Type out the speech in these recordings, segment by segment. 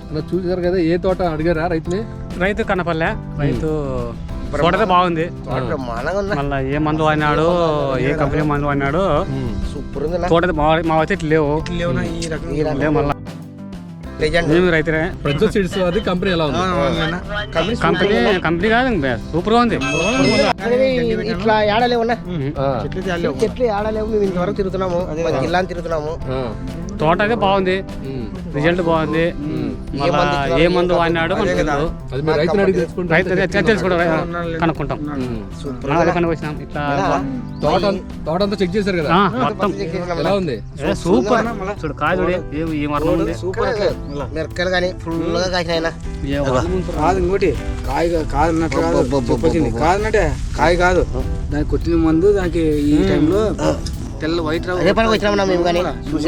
చూసారు కదా, ఏ తోట అడిగారా రైతుని? రైతు కనపల్లె, రైతు తోట బాగుంది. మళ్ళీ ఏ మందు వాడినాడు, ఏ కంపెనీ మందు వాడినాడు, సూపర్ ఉంది. తోట మా అయితే ఇట్లా లేవు. మళ్ళీ మేము రైతులే. ప్రజెంట్ సీడ్స్ అది కంపెనీ ఎలా ఉంది? కంపెనీ కాదు, సూపర్ గా ఉంది. ఇట్లా ఏడలేవున్నా చెట్లు ఏడలేవు. మేము ఇంతవరకు తిరుగుతున్నాము, జిల్లాని తిరుగుతున్నాము. తోట అయితే బాగుంది, రిజల్ట్ బాగుంది. మళ్ళా ఏ మందు వాడినాడు తెలుసుకుంటాం, కనుక్కుంటాం. అదే కనుకొచ్చినాం. ఇట్లా తోట అంతా చెక్ చేశారు కదా, మొత్తం ఎలా ఉంది? సూపర్. చూడు కాయ చూడు, ఏ మరణం ఉంది. మిరపకాయలు కానీ ఫుల్ గా కాసిన కాదు. ఇంకోటి కాయ కాదన్నట్లు కాదన్నట్టే కాయ కాదు, దానికి కొట్టిన మందు దానికి ఈ టైంలో తెల్ల వైట్ వచ్చినామన్నా మేము కానీ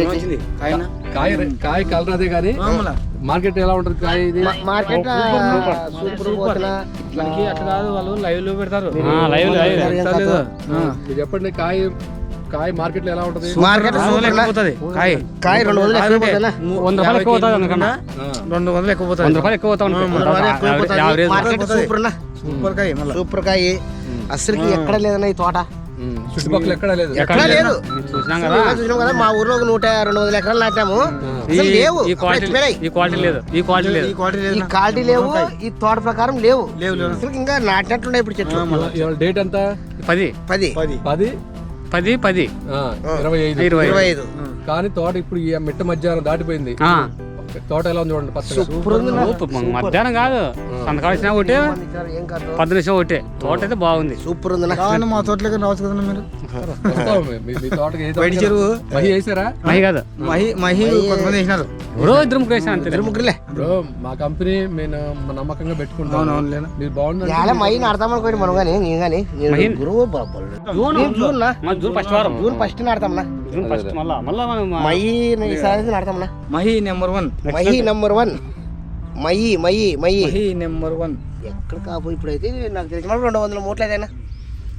కాయ కలర్ అదే కానీ మార్కెట్ ఎలా ఉంటుంది కాయ? ఇది మార్కెట్ అట్లా కాదు, వాళ్ళు లైవ్ లో పెడతారు. మీరు చెప్పండి, కాయ మార్కెట్ లో ఎలా ఉంటుంది? మార్కెట్ కాయ 200 ఎక్కువ 100 రూపాయలు ఎక్కువ అవుతుంది. అందుకన్నా 200 ఎక్కువ పోతుంది, 100 రూపాయలు ఎక్కువ అవుతుంది. సూపర్ కాయ అసలుకి ఎక్కడ లేదన్న ఈ తోట. చుట్టుపక్కల ఎక్కడ లేదు, ఎక్కడ లేదు. చూసినాం కదా, మా ఊర్లో 100-200 ఎకరాలు నాటాము. లేవు, ఈ క్వాలిటీ లేదు, ఈ క్వాలిటీ లేవు, ఈ తోట ప్రకారం లేవు. అసలు ఇంకా నాటినట్లుండే ఇప్పుడు చెట్లు. డేట్ ఎంత? 10-25 కానీ తోట ఇప్పుడు ఈ మిట్ట మధ్యాహ్నం దాటిపోయింది. తోట ఎలా ఉంది చూడండి, మధ్యాహ్నం కాదు, సంతకాల్సిన ఒకటి 10 నిమిషం ఒకటి. తోట అయితే బాగుంది, సూపర్ ఉంది. మా తోటలోకి రావచ్చు కదా మీరు. మీ తోటకి చెరువు మహి వేసారా? మహి కాదు, మహి కొంతమంది వేసినారు. ఇద్దరు ముగ్గురు వేసాను అంతే. మా కంపెనీ మేము నమ్మకంగా పెట్టుకుంటాం. మీరు బాగుంది మహి నాడతాం అనుకోండి మనం కానీ నేను కానీ జూన్ ఫస్ట్ నాడతామన్నా. మహి నాడతామన్నా. మహి నెంబర్ 1 మహి నెంబర్ 1 ఎక్కడ కాపు. ఇప్పుడైతే నాకు తెలిసిన 200 మూటలు ఏదైనా